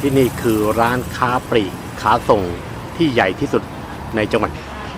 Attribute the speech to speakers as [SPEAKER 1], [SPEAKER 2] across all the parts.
[SPEAKER 1] ที่นี่คือร้านค้าปลีกค้าส่งที่ใหญ่ที่สุดในจังหวัด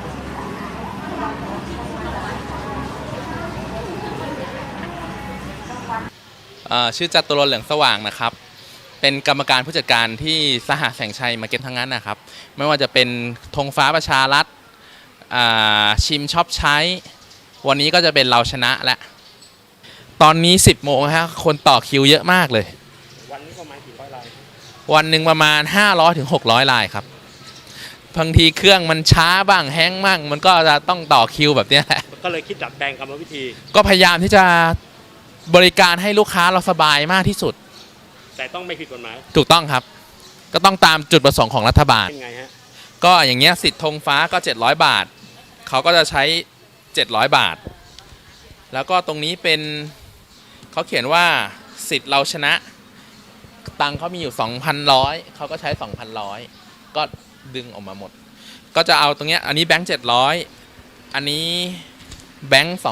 [SPEAKER 2] ชื่อจตุรนต์เหลืองสว่างนะครับเป็นกรรมการผู้จัดการที่สหแสงชัยมาร์เก็ตทั้งนั้นนะครับไม่ว่าจะเป็นธงฟ้าประชารัฐชิมช็อปใช้วันนี้ก็จะเป็นเราชนะและตอนนี้ 10 โมงฮะคนต่อคิวเยอะมากเลย
[SPEAKER 1] วันนี้ประมาณกี่ร้อยราย
[SPEAKER 2] วันหนึ่งประมาณ500 ถึง 600 รายครับบางทีเครื่องมันช้าบ้างแฮงก์บ้างมันก็จะต้องต่อคิวแบบนี้แหละ
[SPEAKER 1] ก็เลยคิดดัดแปลงกรรมวิธี
[SPEAKER 2] ก็พยายามที่จะบริการให้ลูกค้าเราสบายมากที่สุด
[SPEAKER 1] แต่ต้องไม่ผิดกฎหมาย
[SPEAKER 2] ถูกต้องครับก็ต้องตามจุดประสงค์ของรัฐบาล
[SPEAKER 1] ยังไงฮะ
[SPEAKER 2] ก็อย่างเงี้ยสิทธิ์ธงฟ้าก็700 บาทเขาก็จะใช้700 บาทแล้วก็ตรงนี้เป็นเขาเขียนว่าสิทธิ์เราชนะตังเขามีอยู่ 2,100 เขาก็ใช้ 2,100 ก็ดึงออกมาหมดก็จะเอาตรงเนี้ยอันนี้แบงค์700อันนี้แบงค์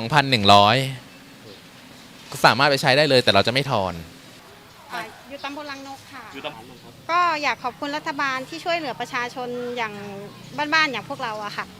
[SPEAKER 2] 2,100ก็สามารถไปใช้ได้เลยแต่เราจะไม่ทอน
[SPEAKER 3] อยู่ตำบลลังนกค่ะก็อยากขอบคุณรัฐบาลที่ช่วยเหลือประชาชนอย่างบ้านๆอย่างพวกเราอะค่ะ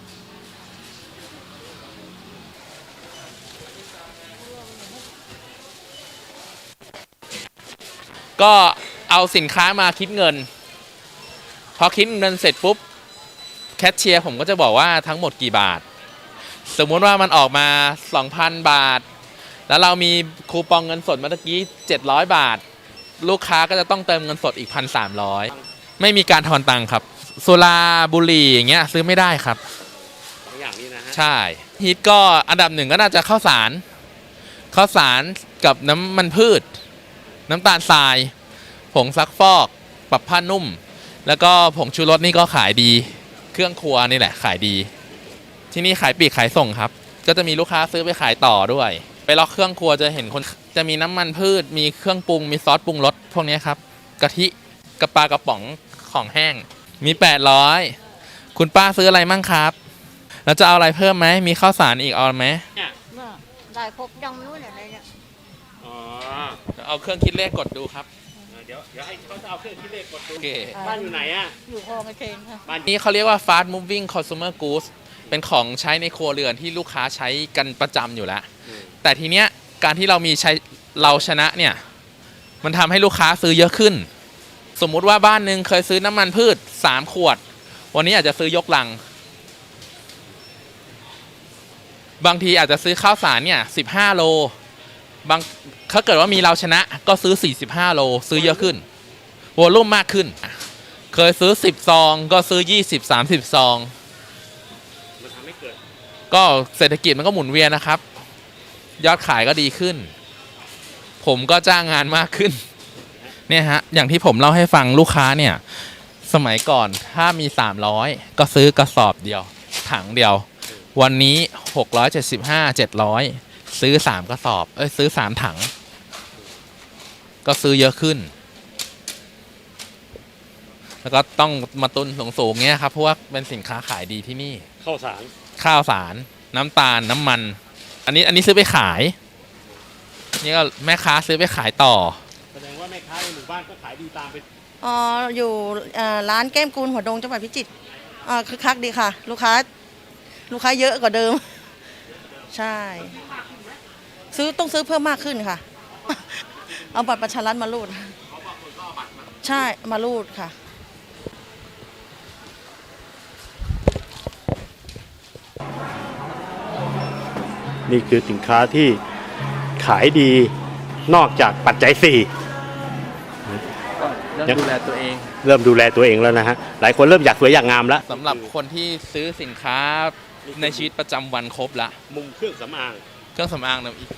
[SPEAKER 2] ก็เอาสินค้ามาคิดเงินพอคิดเงินเสร็จปุ๊บแคชเชียร์ผมก็จะบอกว่าทั้งหมดกี่บาทสมมุติว่ามันออกมา 2,000 บาทแล้วเรามีคูปองเงินสดเมื่อกี้700 บาทลูกค้าก็จะต้องเติมเงินสดอีก 1,300 ไม่มีการทอนตังค์ครับสุราบุหรี่อย่างเงี้ยซื้อไม่ได้ครับ
[SPEAKER 1] อย่างนี้นะฮะ
[SPEAKER 2] ใช่ฮิตก็อันดับหนึ่งก็น่าจะข้าวสารกับน้ำมันพืชน้ำตาลทรายผงซักฟอกปรับผ้านุ่มแล้วก็ผงชูรสนี่ก็ขายดีเครื่องครัวนี่แหละขายดีที่นี่ขายปลีกขายส่งครับก็จะมีลูกค้าซื้อไปขายต่อด้วยไปล็อกเครื่องครัวจะเห็นคนจะมีน้ำมันพืชมีเครื่องปรุงมีซอสปรุงรสพวกนี้ครับกะทิกระปากระป๋องของแห้งมี800คุณป้าซื้ออะไรมั่งครับแล้วจะเอาอะไรเพิ่มไหมมีข้าวสารอีกเอาไหม
[SPEAKER 3] ได้ครบยังรู้อะไรเนี่ย
[SPEAKER 2] เอาเครื่องคิดเลขกดดูครับ
[SPEAKER 1] เดี๋ยวให้เขาจะเอาเครื่องคิดเลขกดดู
[SPEAKER 3] บ้า
[SPEAKER 1] นอยู่ไหนอ่ะ
[SPEAKER 3] อยู่คลองไอเคนค่ะ
[SPEAKER 2] บ้านนี้เขาเรียกว่า fast moving consumer goods เป็นของใช้ในครัวเรือนที่ลูกค้าใช้กันประจำอยู่แล้วแต่ทีเนี้ยการที่เรามีใช้เราชนะเนี่ยมันทำให้ลูกค้าซื้อเยอะขึ้นสมมุติว่าบ้านหนึ่งเคยซื้อน้ำมันพืช3 ขวดวันนี้อาจจะซื้อยกลังบางทีอาจจะซื้อข้าวสารเนี่ย15 โลบางถ้าเกิดว่ามีเราชนะก็ซื้อ45 โลซื้อเยอะขึ้นวอลลุ่มมากขึ้นเคยซื้อ10 ซองก็ซื้อ20-30 ซอง
[SPEAKER 1] มันทำให้เกิด
[SPEAKER 2] ก็เศรษฐกิจมันก็หมุนเวียนนะครับยอดขายก็ดีขึ้นผมก็จ้างงานมากขึ้นเนี่ยฮะอย่างที่ผมเล่าให้ฟังลูกค้าเนี่ยสมัยก่อนถ้ามี300ก็ซื้อกระสอบเดียวถังเดียววันนี้675-700ซื้อ3 กระสอบซื้อ3 ถังก็ซื้อเยอะขึ้นแล้วก็ต้องมาตุนสูงๆเงี้ยครับเพราะว่าเป็นสินค้าขายดีที่นี่
[SPEAKER 1] ข้าวสาร
[SPEAKER 2] น้ำตาลน้ำมันอันนี้ซื้อไปขายนี่ก็แม่ค้าซื้อไปขายต่อ
[SPEAKER 1] แสดงว่าแม่ค้าในหมู่บ้านก็ขายดีตามไป
[SPEAKER 3] อยู่ร้านแก้มกูลหัวดงจังหวัดพิจิตรคึกคักดีค่ะลูกค้าเยอะกว่าเดิมใช่ต้องซื้อเพิ่มมากขึ้นค่ะเอาบัตรประชารัฐมารูดใช่มารูดค่ะ
[SPEAKER 1] นี่คือสินค้าที่ขายดีนอกจากปัจจัย4
[SPEAKER 2] เริ่มดูแลตัวเ
[SPEAKER 1] องแล้วนะฮะหลายคนเริ่มอยากสวยอยากงามแล้ว
[SPEAKER 2] สำหรับคนที่ซื้อสินค้าในชีวิตประจำวันครบละ
[SPEAKER 1] มุมเครื่องสำอาง
[SPEAKER 2] นะอีก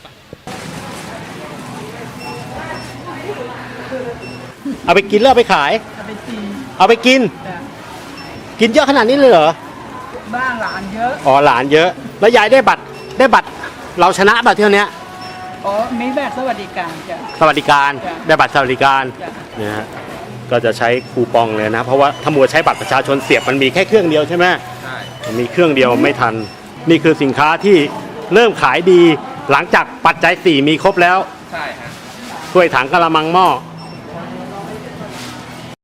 [SPEAKER 1] เอาไปกินแล้วเอาไปขายเอาไปกินเยอะขนาดนี้เลยเหรอ
[SPEAKER 3] บ้านหลานเยอะ
[SPEAKER 1] หลานเยอะแล้วยายได้บัตรเราชนะบัตรเที่ยวนี้
[SPEAKER 3] มีบัตรสวัสดิการจ้ะ
[SPEAKER 1] ได้บัตรสวัสดิการเนี่ยฮะก็จะใช้คูปองเลยนะเพราะว่าถ้ามัวใช้บัตรประชาชนเสียบมันมีแค่เครื่องเดียวใช่ไหม
[SPEAKER 2] ใช่
[SPEAKER 1] มีเครื่องเดียวไม่ทันนี่คือสินค้าที่เริ่มขายดีหลังจากปัจจัย4มีครบแล้ว
[SPEAKER 2] ใช่ฮะ
[SPEAKER 1] ถ้วยถังกะละมังหม้อ